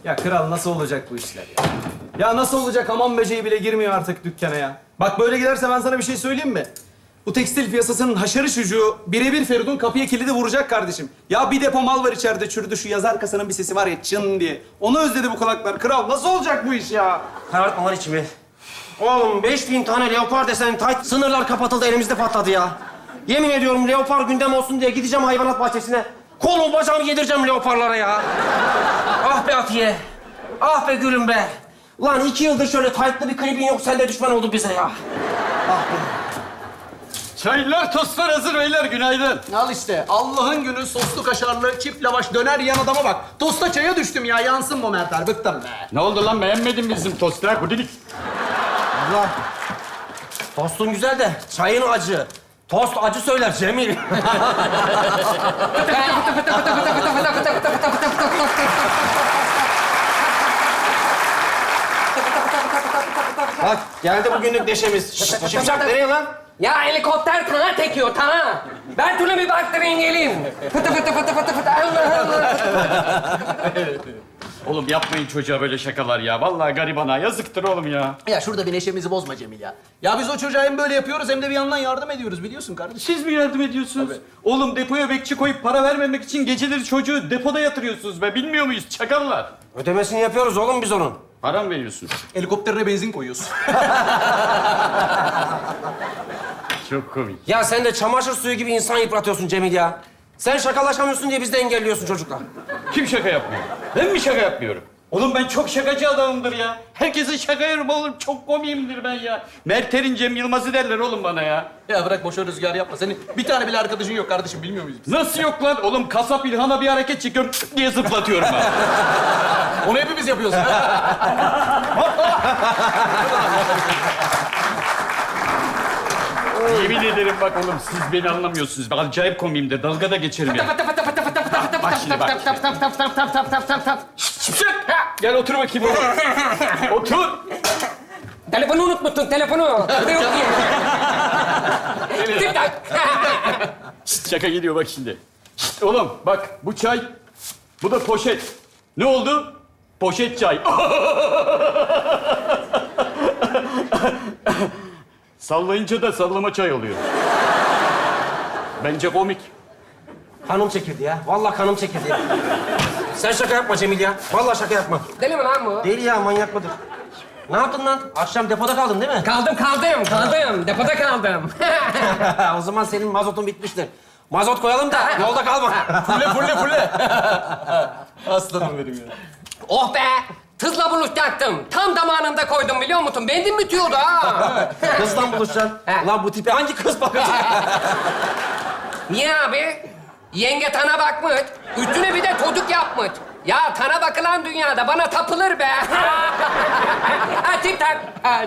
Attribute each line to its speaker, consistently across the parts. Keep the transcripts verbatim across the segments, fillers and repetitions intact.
Speaker 1: Ya kral nasıl olacak bu işler ya? Ya nasıl olacak? Hamam böceği bile girmiyor artık dükkana ya. Bak böyle giderse ben sana bir şey söyleyeyim mi? Bu tekstil piyasasının haşarı çocuğu birebir Feridun kapıya kilidi vuracak kardeşim. Ya bir depo mal var içeride çürüdü. Şu yazar kasanın bir sesi var ya çın diye. Onu özledi bu kulaklar. Kral nasıl olacak bu iş ya?
Speaker 2: Karartma lan içimi. Oğlum beş bin tane leopar desen tayt sınırlar kapatıldı elimizde patladı ya. Yemin ediyorum leopar gündem olsun diye gideceğim hayvanat bahçesine. Kolumu bacağımı yedireceğim leoparlara ya. Ah be Atiye. Ah be gülüm be. Lan iki yıldır şöyle taytlı bir klibin yok sen de düşman oldun bize ya. Ah be.
Speaker 3: Çaylar, tostlar hazır beyler. Günaydın.
Speaker 1: Al işte Allah'ın günü soslu kaşarlı çift lavaş döner yiyen adama bak. Tosta çaya düştüm ya yansın bu Mertler bıktım be.
Speaker 3: Ne oldu lan? Beğenmedin mi bizim tostlar? Kudilik.
Speaker 2: Allah. Tostun güzel de çayın acı. Tost acı söyler Cemil. Bak geldi bugünlük neşemiz. Şşt, Şipşak nereye lan?
Speaker 4: Ya helikopter kana tekiyor, kana. Ben türlü bir baktırayım geleyim. Fıtı fıtı fıtı fıtı fıtı. Allah Allah.
Speaker 3: Oğlum yapmayın çocuğa böyle şakalar ya. Vallahi garibana yazıktır oğlum ya.
Speaker 1: Ya şurada bir neşemizi bozma Cemil ya. Ya biz o çocuğa hem böyle yapıyoruz hem de bir yandan yardım ediyoruz biliyorsun kardeşim.
Speaker 3: Siz mi yardım ediyorsunuz? Oğlum depoya bekçi koyup para vermemek için geceleri çocuğu depoda yatırıyorsunuz be. Bilmiyor muyuz çakallar?
Speaker 2: Ödemesini yapıyoruz oğlum biz onun.
Speaker 3: Para mı veriyorsun?
Speaker 1: Helikopterine benzin koyuyoruz.
Speaker 3: Çok komik.
Speaker 2: Ya sen de çamaşır suyu gibi insan yıpratıyorsun Cemil ya. Sen şakalaşamıyorsun diye biz de engelliyorsun çocuklar.
Speaker 3: Kim şaka yapmıyor? Ben mi şaka yapmıyorum? Oğlum ben çok şakacı adamımdır ya. Herkese şaka yerim oğlum. Çok komiyimdir ben ya. Mertlerin Cem Yılmaz'ı derler oğlum bana ya.
Speaker 1: Ya bırak boşa rüzgar yapma. Senin bir tane bile arkadaşın yok kardeşim bilmiyor muyuz biz?
Speaker 3: Nasıl yok lan? Oğlum kasap İlhan'a bir hareket çekiyorum diye zıplatıyorum ben.
Speaker 1: Onu hepimiz yapıyoruz.
Speaker 3: Yemin ederim bak oğlum siz beni anlamıyorsunuz. Ben acayip komiyimdir. Dalga da geçerim ya.
Speaker 4: Fıtı fıtı fıtı fıtı fıtı fıtı
Speaker 3: Bak
Speaker 4: fıtı
Speaker 3: şimdi bak
Speaker 4: fıtı fıtı fıtı fıtı fıtı fıtı fıtı fıtı.
Speaker 3: Şipşak! Gel otur bakayım oğlum. Otur.
Speaker 4: Telefonu unutmuşsun, telefonu. Burada yok ki. Tik tak.
Speaker 3: Şşt, şaka geliyor bak şimdi. Şşt, oğlum bak bu çay, bu da poşet. Ne oldu? Poşet çay. Sallayınca da sallama çay oluyor. Bence komik.
Speaker 2: Kanım çekildi ya. Vallahi kanım çekildi ya. Sen şaka yapma Cemil ya. Vallahi şaka yapma.
Speaker 4: Deli mi lan bu?
Speaker 2: Deli ya, manyak mıdır? Ne yaptın lan? Akşam depoda kaldın değil mi?
Speaker 4: Kaldım, kaldım, kaldım. Depoda kaldım.
Speaker 2: O zaman senin mazotun bitmiştir. Mazot koyalım da yolda kalma.
Speaker 1: Fulle fulle fulle. Aslanım benim ya.
Speaker 4: Oh be! Tızla buluşacaktım. Tam zamanında koydum biliyor musun? Benzin bitiyordu ha.
Speaker 2: Kızla buluşacaksın.
Speaker 4: He.
Speaker 2: Lan bu tipe hangi kız bakacak?
Speaker 4: Niye abi? Yenge tana bakmış. Üstüne bir de çocuk yapmış. Ya tana bakılan dünyada bana tapılır be. Ha tip tak.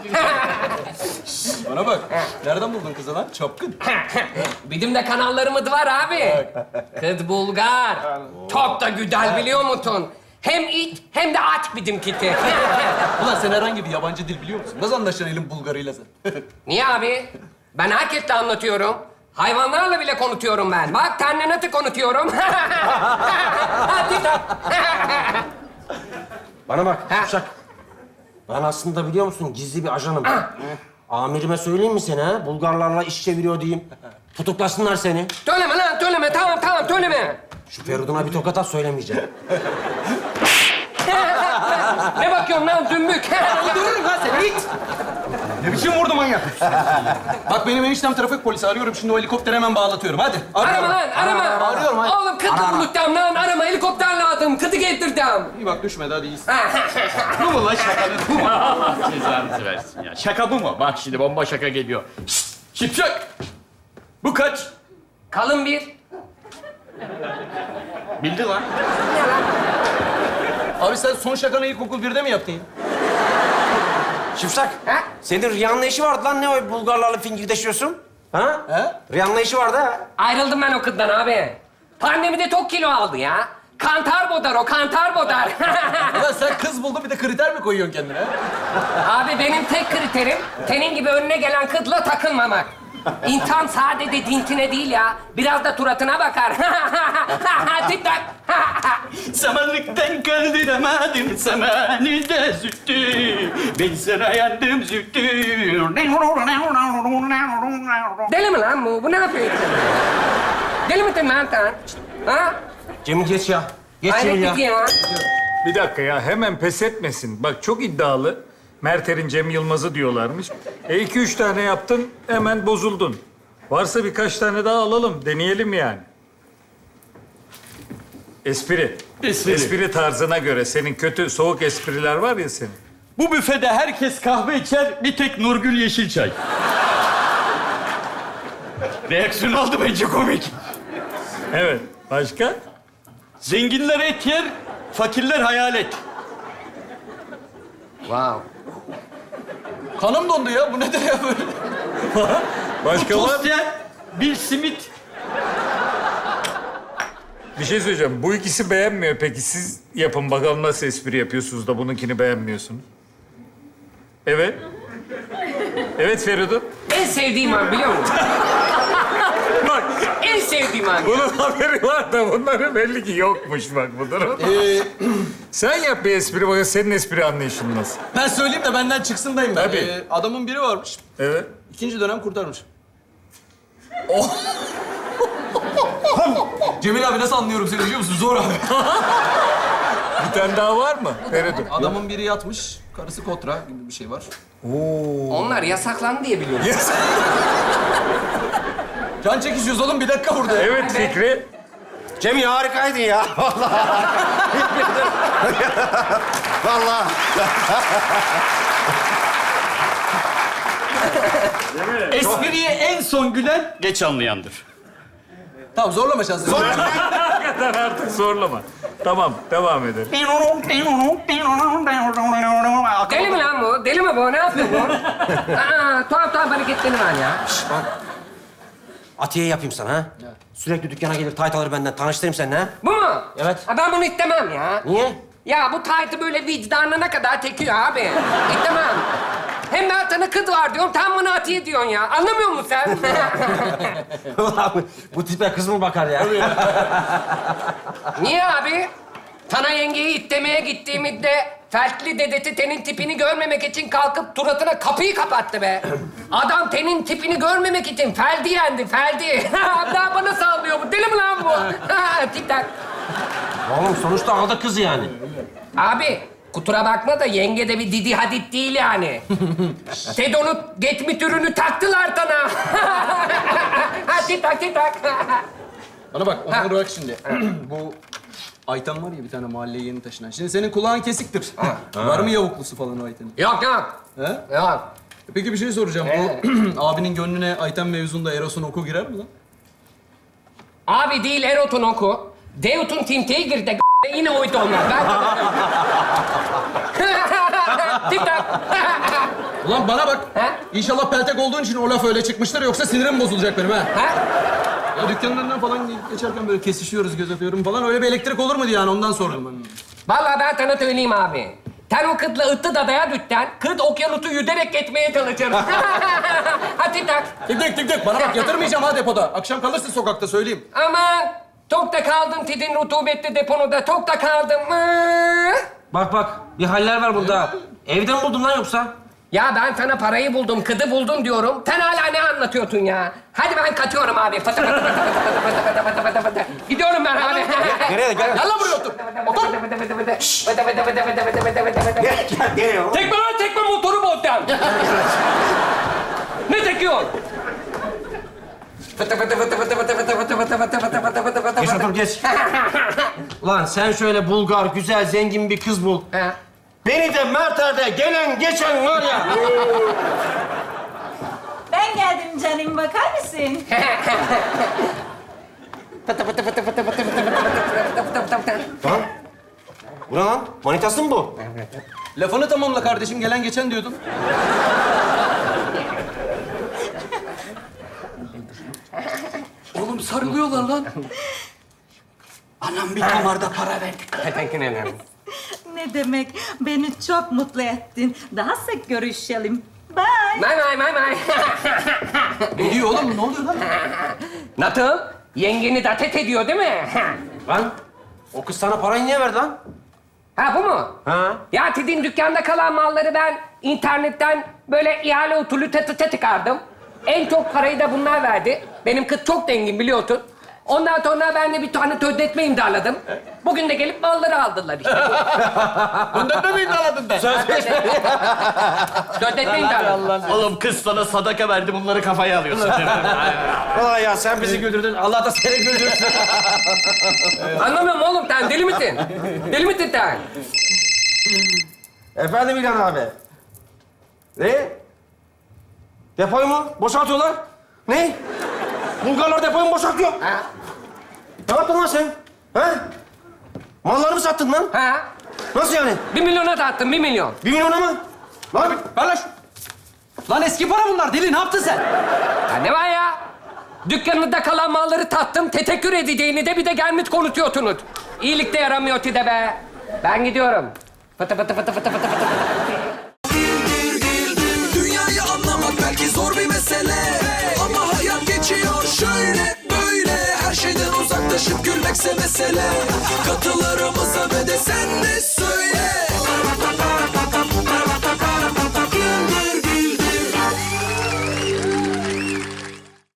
Speaker 1: Bana bak. Nereden buldun kızı lan? Çapkın.
Speaker 4: Bizim de kanallarımız var abi. Kız Bulgar. Çok da güzel biliyor musun? Hem it hem de aç bizimkisi.
Speaker 1: Ulan sen herhangi bir yabancı dil biliyor musun? Nasıl anlaşacaksın elin Bulgarıyla sen?
Speaker 4: Niye abi? Ben herkesle anlatıyorum. Hayvanlarla bile konutuyorum ben. Bak ternenatı konutuyorum. Ha, tip tak.
Speaker 2: Bana bak,
Speaker 4: Ha.
Speaker 2: Şipşak. Ben aslında biliyor musun gizli bir ajanım. Amirime söyleyeyim mi seni ha? Bulgarlarla iş çeviriyor diyeyim. Tutuklasınlar seni.
Speaker 4: Söyleme lan söyleme. Tamam tamam söyleme.
Speaker 2: Şu Feridun'a bir tokat at söylemeyeceğim.
Speaker 4: Ne bakıyorsun lan dümbük?
Speaker 1: Öldürürüm lan seni it! Ne biçim vurdu manyak? Bak benim eniştem trafik polisi arıyorum şimdi o helikopteri hemen bağlatıyorum hadi.
Speaker 4: Arama lan arama.
Speaker 1: Arıyorum hadi.
Speaker 4: Oğlum kıtı bulacağım lan arama. Helikopter lazım. Kıtı getireceğim.
Speaker 1: İyi bak düşmedi hadi iyisin.
Speaker 3: Bu mu lan şakanın? Bu mu? Allah cezanızı versin ya. Şaka bu mu? Bak şimdi bomba şaka geliyor. Şşt, şipşak! Bu kaç?
Speaker 4: Kalın bir.
Speaker 3: Bildi lan.
Speaker 1: Abi sen son şakanı ilkokul birde mi yaptın?
Speaker 2: Şipşak,
Speaker 4: Ha?
Speaker 2: senin Rihanna işi vardı lan. Ne o Bulgarlarla fingirdeşiyorsun? Ha?
Speaker 1: He?
Speaker 2: Rihanna işi vardı ha.
Speaker 4: Ayrıldım ben o kızdan abi. Pandemide çok kilo aldı ya. Kantar bodar o, kantar bodar.
Speaker 1: Ulan sen kız buldun bir de kriter mi koyuyorsun kendine?
Speaker 4: Abi benim tek kriterim senin gibi önüne gelen kızla takılmamak. İnsan sadece dintine değil ya, biraz da suratına bakar. Tik tak.
Speaker 3: Samanlıktan kaldıramadın samanı da züttü. Ben sana yandım züttü.
Speaker 4: Deli mi lan bu? Bu ne yapıyor? Deli misin lan sen? Ha?
Speaker 2: Cemil geç ya. Geç Cemil
Speaker 4: Hayret
Speaker 2: ya.
Speaker 4: bir şey ya.
Speaker 5: Bir dakika ya, hemen pes etmesin. Bak çok iddialı. Merter'in Cem Yılmaz'ı diyorlarmış. E iki üç tane yaptın, hemen bozuldun. Varsa birkaç tane daha alalım, deneyelim yani. Espri.
Speaker 3: Espri.
Speaker 5: Espri tarzına göre. Senin kötü, soğuk espriler var ya senin.
Speaker 3: Bu büfede herkes kahve içer, bir tek Nurgül Yeşilçay. Reaksiyon aldı bence komik.
Speaker 5: Evet. Başka?
Speaker 3: Zenginler et yer, fakirler hayalet.
Speaker 4: Wow.
Speaker 1: Kanım dondu ya. Bu nedir ya böyle?
Speaker 5: Başka var
Speaker 3: Tost
Speaker 5: mı?
Speaker 3: yer, bir simit.
Speaker 5: Bir şey söyleyeceğim. Bu ikisi beğenmiyor. Peki siz yapın bakalım nasıl espri yapıyorsunuz da bununkini beğenmiyorsunuz. Evet. Evet Feridun.
Speaker 4: En sevdiğim an biliyor musun?
Speaker 5: Bak
Speaker 4: En sevdiğim an.
Speaker 5: bunun haberi var da bunların belli ki yokmuş bak bu durum.
Speaker 1: Ee,
Speaker 5: Sen yap bir espri bakın senin espri anlayışın nasıl.
Speaker 1: ben söyleyeyim de benden çıksındayım ben.
Speaker 5: Tabii.
Speaker 1: Ee, adamın biri varmış.
Speaker 5: Evet.
Speaker 1: İkinci dönem kurtarmış. Oh. Cemil abi nasıl anlıyorum seni biliyor musun? Zor abi.
Speaker 5: Bir tane daha var mı Feridun?
Speaker 1: Adamın biri yatmış, karısı kotra gibi bir şey var.
Speaker 4: Onlar yasaklandı diye biliyorum.
Speaker 5: Yes.
Speaker 1: Can çekişiyoruz oğlum bir dakika burada.
Speaker 5: Evet Fikri.
Speaker 2: Cemil harikaydın ya. Vallahi. Vallahi.
Speaker 3: Espriye en son gülen geç anlayandır.
Speaker 1: Tamam zorlama şansını.
Speaker 5: Hakikaten artık zorlama. Tamam devam edelim.
Speaker 4: Deli mi lan bu? Deli mi bu? Ne yapıyor bu? Aa, tuhaf tuhaf hareketleri var ya.
Speaker 2: Atiye yapayım sana ha. Sürekli dükkana gelir tayt alır benden. Tanıştırayım seninle ha.
Speaker 4: Bu mu?
Speaker 2: Evet.
Speaker 4: Ha, ben bunu istemem ya.
Speaker 2: Niye?
Speaker 4: Ya bu taytı böyle vicdanına kadar tekiyor abi. İstemem. Hem ben sana kız var diyorum, tam bana Atiye diyorsun ya. Anlamıyor musun sen?
Speaker 2: Ulan bu tipe kız mı bakar ya?
Speaker 4: Niye abi? Sana yengeyi itlemeye gittiğimizde feltli dedesi tenin tipini görmemek için kalkıp suratına kapıyı kapattı be. Adam tenin tipini görmemek için feldi yendi, feldi. Daha bana sallıyor bu. Deli mi lan bu? Tik tak.
Speaker 2: Oğlum sonuçta aldı kızı yani.
Speaker 4: Abi kusura bakma da yenge de bir Didi Hadid değil yani. Tedon'u geçmiş ürünü taktılar sana. Ha, tik tak tik tak.
Speaker 1: Bana bak, Onur bak şimdi. Bu Ayten var ya bir tane mahalleye yeni taşınan. Şimdi senin kulağın kesiktir. Var mı yavuklusu falan o Ayten'in?
Speaker 4: Yok yok.
Speaker 1: He?
Speaker 4: Yok.
Speaker 1: Peki bir şey soracağım. Bu abinin gönlüne Ayten mevzunda Eros'un oku girer mi lan?
Speaker 4: Abi değil Erot'un oku. Deut'un timteyi girdi. Yine oydu onlar. Ben... Tik tak.
Speaker 1: Ulan bana bak.
Speaker 4: He?
Speaker 1: İnşallah peltek olduğun için o laf öyle çıkmıştır yoksa sinirim bozulacak benim ha.
Speaker 4: Ha?
Speaker 1: Ya dükkanın önünden falan geçerken böyle kesişiyoruz, göz atıyorum falan. Öyle bir elektrik olur mu diye yani ondan sordum ben.
Speaker 4: Vallahi ben sana söyleyeyim abi. Sen o kızla ıttı dadaya düşsen, kız okyanusu yüzerek geçmeye çalışır. Hadi tak.
Speaker 1: Tık tık tık tık. Bana bak yatırmayacağım ha depoda. Akşam kalırsın sokakta söyleyeyim.
Speaker 4: Aman, çok da kaldım tidin rutubetli deponuda, çok da kaldım. Mıı?
Speaker 2: Bak bak bir haller var bunda. Evden buldun lan yoksa?
Speaker 4: Ya ben sana parayı buldum, kızı buldum diyorum. Sen hala ne anlatıyorsun ya? Hadi ben kaçıyorum abi. Fıtı fıtı fıtı fıtı fıtı fıtı fıtı fıtı fıtı. Gidiyorum ben abi.
Speaker 2: Nereye gel?
Speaker 1: Gel lan buraya otur. Otur.
Speaker 2: Gel gel gel.
Speaker 4: Tekme lan tekme motoru bozdan. Ne tekiyorsun? Fıtı fıtı fıtı fıtı fıtı fıtı fıtı fıtı fıtı fıtı fıtı fıtı fıtı
Speaker 2: Geç
Speaker 4: fıtı.
Speaker 2: otur geç. Ulan sen şöyle Bulgar, güzel, zengin bir kız bul.
Speaker 4: Ha.
Speaker 2: Beni de Merter'de gelen geçen var ya.
Speaker 6: Ben geldim canım, bakar mısın?
Speaker 4: Fıtı fıtı fıtı fıtı fıtı fıtı fıtı fıtı fıtı fıtı fıtı.
Speaker 2: Lan. Bu ne lan? Manitası mı bu?
Speaker 1: Lafını tamamla kardeşim. Gelen geçen diyordun.
Speaker 3: Oğlum sarılıyorlar lan. Anam bir damarda para verdik.
Speaker 4: Teşekkür ederim.
Speaker 6: Ne demek, beni çok mutlu ettin. Daha sık görüşelim. Bye. may.
Speaker 4: May may may may.
Speaker 1: Ne diyor oğlum? Ne oluyor lan?
Speaker 4: Nasıl? Yengeni datet ediyor değil mi?
Speaker 2: Lan o kız sana parayı niye verdi lan?
Speaker 4: Ha bu mu?
Speaker 2: Ha?
Speaker 4: Ya dediğin dükkanda kalan malları ben internetten böyle ihale usulü tı tı tı tıkardım. En çok parayı da bunlar verdi. Benim kız çok zengin biliyorsun. Ondan sonra ben de bir tane sözleşme imzaladım. Bugün de gelip malları aldılar işte.
Speaker 3: Bundan da mı imzaladın be?
Speaker 4: Sözleşme imzaladım.
Speaker 3: Oğlum kız sana sadaka verdi, bunları kafaya alıyorsun.
Speaker 2: Vay ya sen bizi güldürdün. Allah da seni güldürsün.
Speaker 4: Anlamıyorum oğlum sen deli misin? Deli misin sen?
Speaker 2: Efendim İlhan abi. Ne? Depoyu mu? Boşaltıyorlar. Ne? Bulgarlar depoyu mu boşaltıyor?
Speaker 4: Ha?
Speaker 2: Ne yaptın lan sen? Ha? Malları mı sattın lan?
Speaker 4: Ha?
Speaker 2: Nasıl yani?
Speaker 4: Bir milyona sattım, bir milyon.
Speaker 2: Bir milyona mı? Lan
Speaker 1: Ver lan şu- Lan eski para bunlar. Deli ne yaptın sen?
Speaker 4: Ya ne var ya? Dükkanında kalan malları tattım, teşekkür edeceğini de bir de gelmiş konuşuyorsunuz. İyilik de yaramıyor size be. Ben gidiyorum. Fıtı fıtı fıtı fıtı fıtı fıtı.
Speaker 7: Dünyayı anlamak belki zor bir mesele, ama hayat geçiyor şöyle böyle. Her şeyden uzaklaşıp gülmekse mesele.